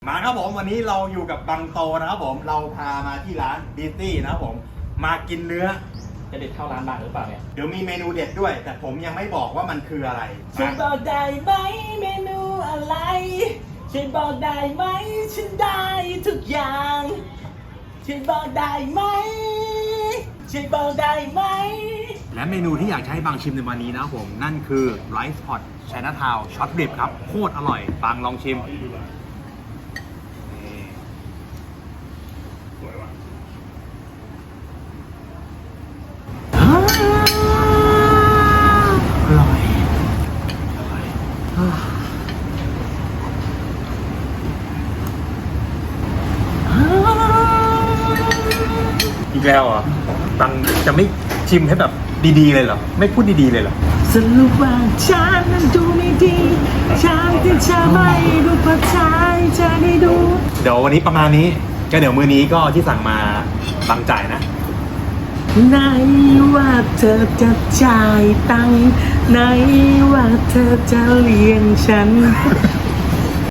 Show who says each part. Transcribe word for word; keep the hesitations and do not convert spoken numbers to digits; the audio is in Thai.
Speaker 1: มาครับผมวันนี้เราอยู่กับบังโตนะครับผมเราพามาที่ร้านบีตี้นะครับผมมากินเนื้อ
Speaker 2: จะเด็ดเข้าร้านบางหรือเปล่าเนี่ย
Speaker 1: เดี๋ยวมีเมนูเด็ดด้วยแต่ผมยังไม่บอกว่ามันคืออะไร
Speaker 2: ฉันบอกได้ไหมเมนูอะไรฉันบอกได้ไหมฉันได้ทุกอย่างฉันบอกได้ไหมฉันบอกได้ไหม
Speaker 1: และเมนูที่อยากให้บางชิมในวันนี้นะครับผมนั่นคือไรซ์พอตไชน่าทาวน์ช็อตริบครับโคตรอร่อยบางลองชิมอร่อยอีกแล้วอ่ะตังจะไม่ชิมให้แบบดีๆเลยเหรอไม่พูดดีๆเลยเหรอ
Speaker 2: สรุปว่าฉันนั้นดูไม่ดีฉันที่จะไม่ดูภาษาจะได้ดู
Speaker 1: เดี๋ยววันนี้ประมาณนี้ก็เดี๋ยวมื้อนี้ก็ที่สั่งมาบังจ่ายนะ
Speaker 2: ไหนว่าเธอจะจ่ายตังค์ไหนว่าเธอจะเลี้ยงฉัน